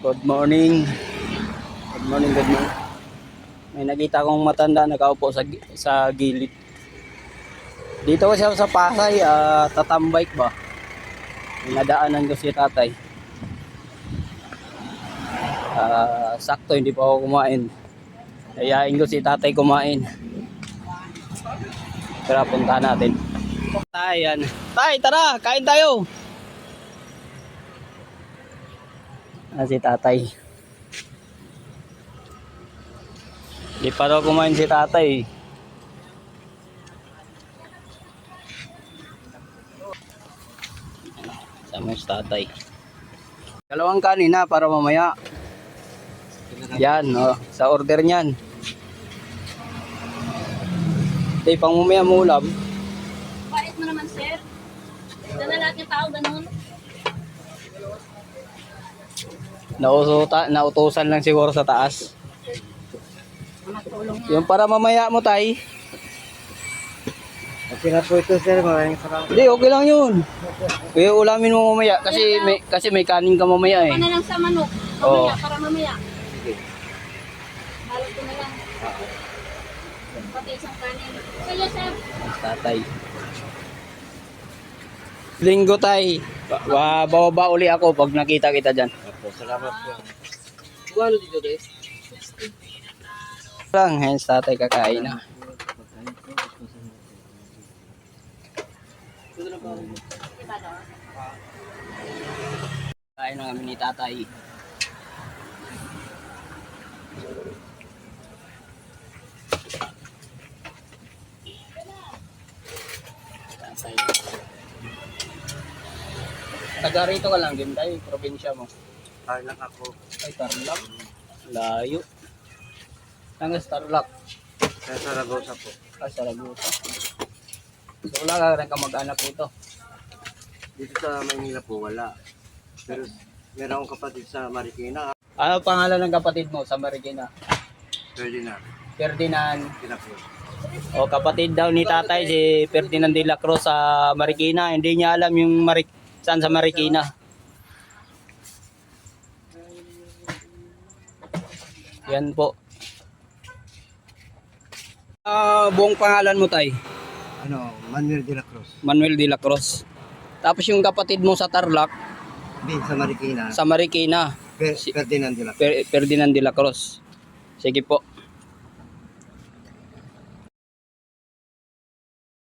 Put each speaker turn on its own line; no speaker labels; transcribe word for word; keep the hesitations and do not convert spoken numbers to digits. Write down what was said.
Good morning. Good morning, good morning. May nakita akong matanda nakaupo sa sa gilid. Dito ko siya sa Pasay, uh, tatambike ba? Nadaanan ko si tatay. Uh, sakto hindi pa ako kumain. Ayain ko si tatay kumain. Tara, punta natin. Tay, yan. Tay, tara, kain tayo. Ah, si tatay. Di pa daw kumain si tatay. Sama si tatay. Dalawang kanin na para mamaya. Yan, oh, sa order niyan. Di pang mamaya mo ulam.
Pait mo naman, sir. Ito na lahat ng tao, ganun.
Nausuta, nautusan lang siguro sa taas. Yung para mamaya mo, tay.
Okay na po ito, sir. Maraming salamat.
Hindi, okay lang yun. Kaya ulamin mo mamaya kasi may kasi may kanin ka mamaya eh.
Ako na lang sa manok.
Oo.
Mamaya, para mamaya.
Sige.
Balot ko na lang. Pati isang kanin. Sige, sir.
Tatay. Linggo, tay. Ba bababa uli ako pag nakita kita dyan.
Opo, salamat po.
Ano dito, guys? Lang, hens tatay kakain na. Kain na kami ni tatay. Tatay. Taga rito ka lang din tayo, probinsya mo.
Tarlac ako.
Ay, Tarlac. Layo. Tangas Tarlac.
Sa Saragosa po.
Ay, Saragosa. So, wala ka rin ka mag-anak dito.
Dito sa Maynila po, wala. Pero meron akong kapatid sa Marikina.
Ano pangalan ng kapatid mo sa Marikina?
Ferdinand.
Ferdinand.
Pinapos.
O kapatid daw ni tatay si Ferdinand de la Cruz sa Marikina. Hindi niya alam yung Marik saan sa Marikina. Yan po. Ah, buong pangalan mo tay?
Ano, Manuel de la Cruz.
Manuel de la Cruz. Tapos yung kapatid mo sa Tarlac,
Hindi, sa Marikina.
sa Marikina,
Fer- Ferdinand de la Cruz.
Fer- Ferdinand de la Cruz. Sige po.